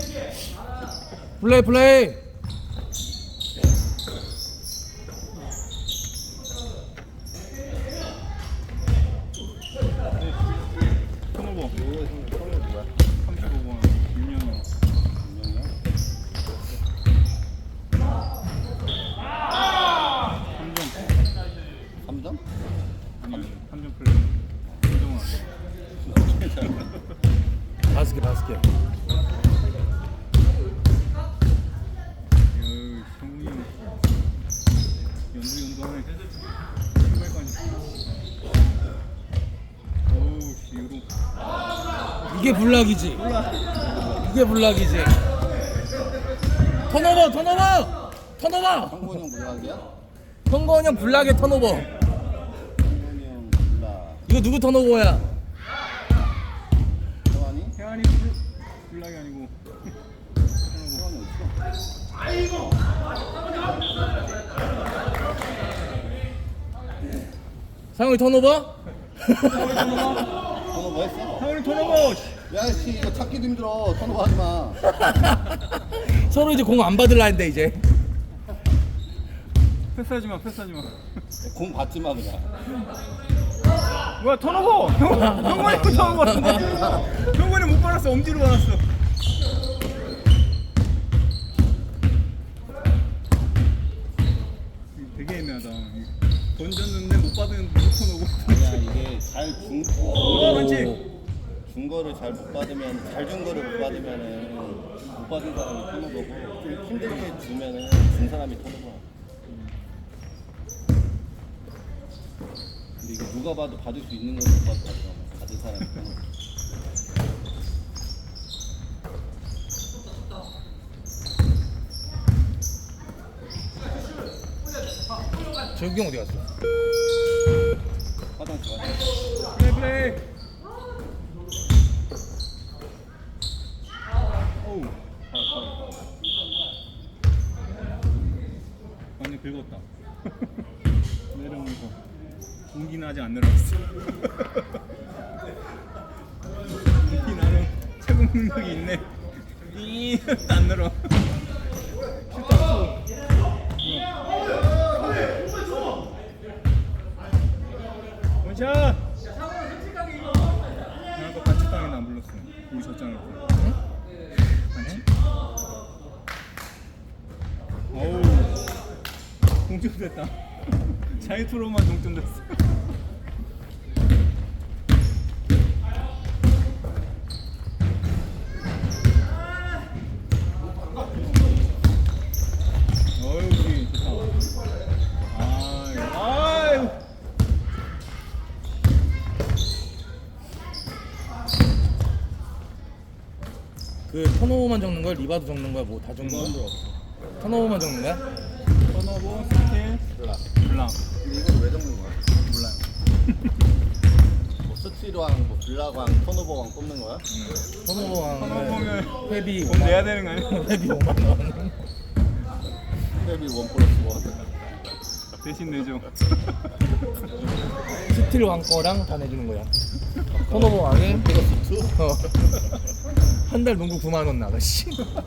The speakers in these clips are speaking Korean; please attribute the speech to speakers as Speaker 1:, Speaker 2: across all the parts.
Speaker 1: 플레이 플레이.
Speaker 2: 턴오버. 35번 윤영이.
Speaker 3: 3점?
Speaker 2: 아니 3점 플레이. 윤정아.
Speaker 1: 5개 5개.
Speaker 2: 성훈이 형 연두하네. 신발까지. 어우 씨 이거
Speaker 1: 이게 블락이지. 이게 블락이지. 턴오버 턴오버 턴오버.
Speaker 3: 성곤이 형 블락이야?
Speaker 1: 성건이 형 블락의 턴오버.
Speaker 3: 성곤이 형 블락.
Speaker 1: 이거 누구 턴오버야?
Speaker 3: 태환이?
Speaker 2: 태환이 블락이 아니고
Speaker 3: 태환이 어딨어?
Speaker 1: 상훈이 턴오버?
Speaker 3: 턴오버 했어?
Speaker 2: 태환이 턴오버.
Speaker 3: 야씨 이거 찾기도 힘들어. 턴오버 하지마.
Speaker 1: 서로 이제 공 안 받을라 했는데 이제.
Speaker 2: 패스하지마.
Speaker 3: 공 받지마 그냥.
Speaker 2: 뭐야 턴오버. 형만이 턴오버. 형만이 못 받았어. 엄지로 받았어. 되게 애매하다. 던졌는데 못 받은 턴오버.
Speaker 3: 아니야 이게 잘준
Speaker 2: 그렇지.
Speaker 3: 준 거를 잘 못 받으면 잘 준 거를 못 받으면은 못 받은 사람이 턴오버고 좀 힘들게 주면은 준 사람이 턴오버. 근데 이거 누가 봐도 받을 수 있는 걸 못 받더라고. 받은 사람이 턴오버.
Speaker 1: 재욱이 형 어디 갔어?
Speaker 3: 화장실 가.
Speaker 2: 플레이. 어우. 완전 긁었다. 내려오면서 공기는 아직 안 내려왔어. 공기 나는 최고 능력이 있네. 안 내려. 슛 없어. 원샷! 나 아까 반칙 당했나 안 불렀어. 우리 졌잖아.
Speaker 1: 응?
Speaker 2: 반칙? 어우 동점됐다. 자유투로만 동점됐어. 어휴 우리 좋다. 아유.
Speaker 1: 그 턴오버만 적는 거야? 리바도 적는 거야? 뭐 다 적는 거야? 턴오버만 적는 거야?
Speaker 2: 턴오버, 스틸,
Speaker 3: 블락.
Speaker 2: 블락.
Speaker 3: 근데 이걸 왜 적는 거야?
Speaker 2: 몰라요.
Speaker 3: 뭐 스틸왕, 뭐 블락왕, 턴오버왕 뽑는 거야?
Speaker 1: 턴오버왕은
Speaker 2: 턴오버면
Speaker 1: 회비
Speaker 2: 돈 내야 되는 거 아니야?
Speaker 1: 회비 5만 원.
Speaker 3: 스텝이 1+1.
Speaker 2: 대신 내줘.
Speaker 1: 스틸 왕 거랑 다 내주는 거야. 턴오버 왕에 한 달 농구 9만 원 나가. 씨.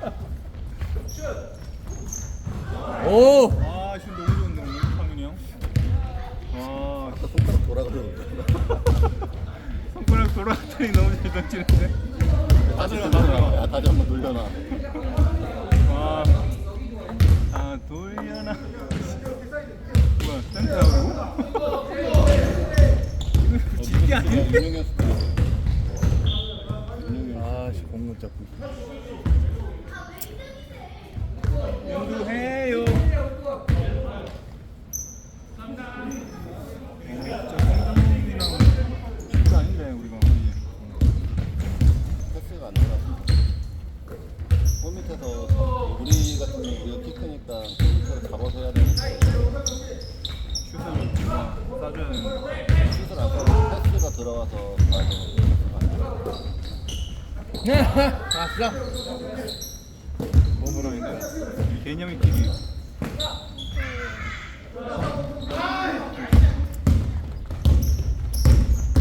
Speaker 1: 오.
Speaker 2: 아, 슛 너무 좋은데 오늘 상윤이 형. 와,
Speaker 3: 아까 손가락 돌아가더라고.
Speaker 2: 손가락 돌아갔더니 너무 잘 던지는데.
Speaker 3: 다시 돌려놔. 야, 다시 한번 돌려놔.
Speaker 2: 와, 아 돌려나. 뭐야, 센터하고? 이거 집게 아닌데?
Speaker 3: 윤용현 스틸. 윤용현.
Speaker 1: 아씨 공못 잡고.
Speaker 2: 연두해요. 진짜 아닌데 우리가.
Speaker 3: 패스가 안 들어갔어. 골 밑에서 우리 같은 경우 우리가 키 크니까 골 밑에서 잡아서 해야 되는데
Speaker 2: 슛을 쏴줘야 되는데.
Speaker 3: 슛을 안 쏴도 패스가 들어가서 가야 되는데
Speaker 1: 네. 아싸.
Speaker 2: 뭐라 해야 돼? 개념이 길이.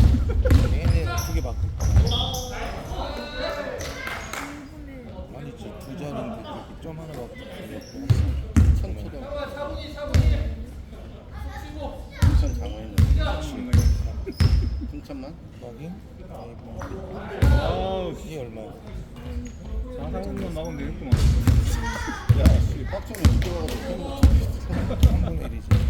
Speaker 1: 얘네 두개 받고. 아니지. 자리인데 이렇게 점 하나 갖고 걸렸고.
Speaker 3: 천초동 인천 장어있는 풍천만?
Speaker 1: 확인.
Speaker 2: 아우
Speaker 1: 이게 얼마야?
Speaker 2: 4,400만 나오면 되겠구만.
Speaker 3: 야씨 빡쳐면 이렇게 와가지고 팬거
Speaker 1: 3분의 1이지.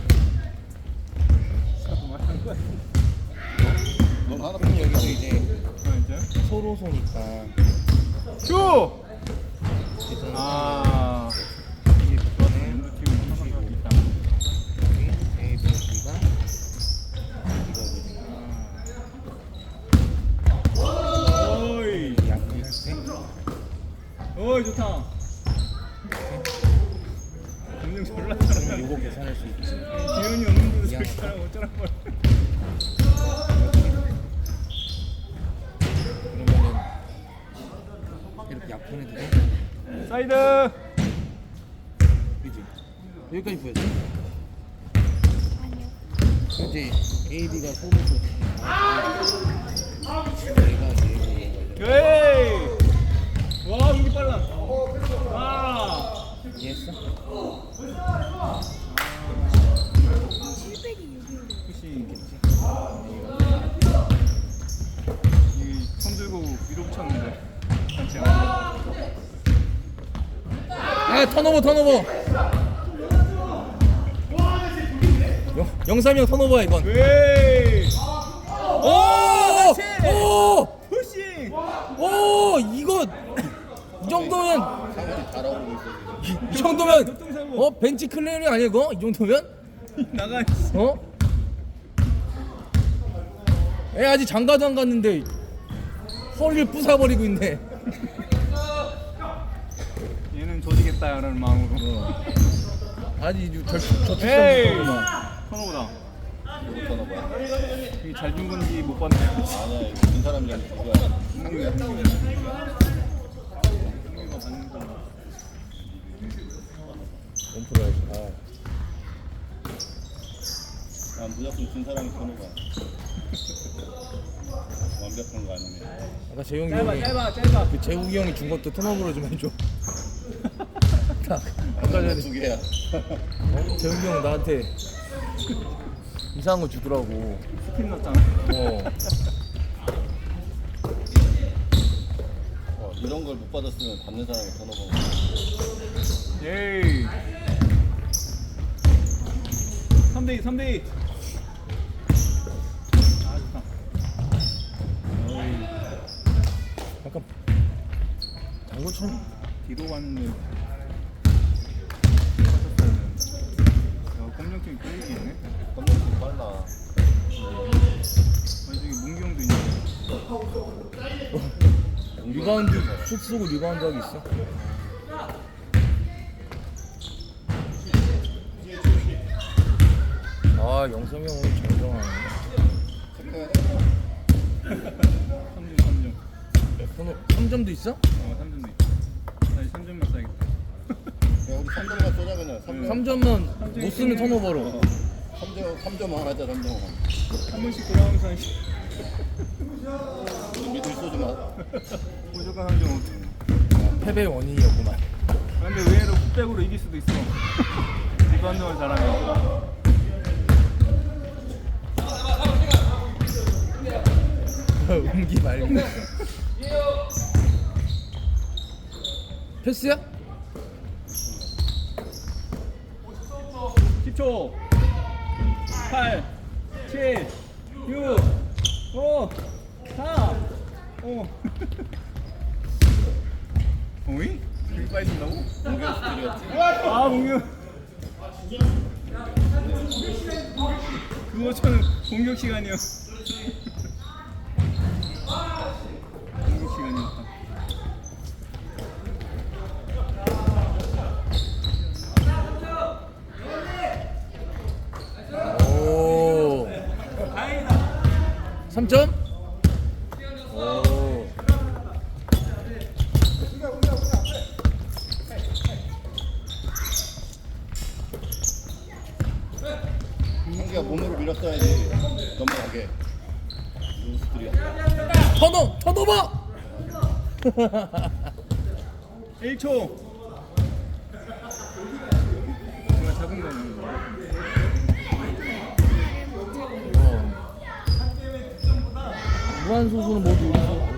Speaker 3: 넌 하나
Speaker 1: 그럼 여기서 이제
Speaker 2: 진짜?
Speaker 1: 서로 소니까
Speaker 2: 큐!
Speaker 1: 계산.
Speaker 2: 아.
Speaker 1: 이게 이번에
Speaker 2: 연두 팀은 항상 가고 있다.
Speaker 1: A, B, B가
Speaker 2: 어이.
Speaker 1: 이거거든. 약분할 때
Speaker 2: 어이 좋다. 점점 졸라 잘한다.
Speaker 1: 요거 계산할 수 있지.
Speaker 2: 기운이 없는데도
Speaker 1: 미안하다.
Speaker 2: 저렇게 잘하면 어쩌란 거야.
Speaker 1: 그러면은 이렇게 약분해도 돼?
Speaker 2: 사이드.
Speaker 1: 그지? 여기까지 보여줘. 이제 A, B가 서로 얘가 얘고
Speaker 2: 에이. 와 여기 빨라. 아.
Speaker 1: 이해했어?
Speaker 2: 혹시 이손 들고 위로 붙였는데 단체
Speaker 1: 아 턴오버 영삼이 형 턴오버야 이번.
Speaker 2: 에이.
Speaker 1: 오! 오!
Speaker 2: 푸싱.
Speaker 1: 오! 이거 이 정도면
Speaker 3: 상원이 달아오르고 있어 지금
Speaker 1: 이 정도면 벤치 클리어링 아니야 이거? 이 정도면?
Speaker 2: 나가.
Speaker 1: 어? 애 아직 장가도 안 갔는데 허리를 부숴버리고 있네.
Speaker 2: 얘는 조지겠다라는 마음으로.
Speaker 1: 아니 저
Speaker 2: 에이.
Speaker 1: 뒷선만
Speaker 2: 선호보다.
Speaker 3: 누구 터너봐야
Speaker 2: 이게 잘 준 건지 못 봤네.
Speaker 3: 아니야 이거 진 사람이랑 누구야 상규야
Speaker 1: 원프로 해야지. 아.
Speaker 3: 난 무조건 진 사람이 터너봐 완벽한 거 아니네
Speaker 1: 아까 재용이 형이
Speaker 2: 짧아.
Speaker 1: 그 재욱이 형이 준 것도 턴오버로 좀 해줘. 아까 전에
Speaker 3: 두 개야
Speaker 1: 재욱이 형 나한테 이상한 거 주더라고.
Speaker 2: 스핀 넣었잖아.
Speaker 3: 이런 걸 못 받았으면 받는 사람이 터너봐
Speaker 2: 에이. 3대2. 아 좋다.
Speaker 1: 약간 당구처럼.
Speaker 2: 뒤로 갔는데. 검정팀이 끌리겠네.
Speaker 3: 깜짝이 빨라
Speaker 2: 아니 저기 문기 형도 있는데.
Speaker 1: 리바운드 슛 쓰고 리바운드 하기 있어. 아 영삼이 형 오늘 정정하네.
Speaker 3: 체크해야
Speaker 2: 3점.
Speaker 1: 번호 3점도 있어?
Speaker 2: 3점도 있다. 다시 3점만 써야겠다.
Speaker 3: 야 우리 3점만 쏘자 그냥
Speaker 1: 3점만 못 쓰면 턴오버로.
Speaker 3: 3점만 하자 3점만
Speaker 2: 한 번씩 돌아오면서
Speaker 3: 우리 미들 쏘지 마
Speaker 2: 무조건 3점.
Speaker 1: 패배의 원인이었구만.
Speaker 2: 근데 의외로 풋백으로 이길 수도 있어. 리바운드만 잘하면.
Speaker 1: 음기 말고 있어. 패스야?
Speaker 2: 10초. 8, 7, 6, 5, 4, 5. 어이? 그렇게 빨리 준다고?
Speaker 3: 공격 스킬이었지
Speaker 2: 아, 공격. 그거처럼 공격 시간이요. 공격 시간이었다.
Speaker 1: 오. 3점? 오.
Speaker 3: 상규가 몸으로 밀었어야지 넘어가게 누구 스킬이야
Speaker 1: 턴오버!
Speaker 2: 1초. 정말 작은 거는.
Speaker 1: 무한 소수는 모두 우리 수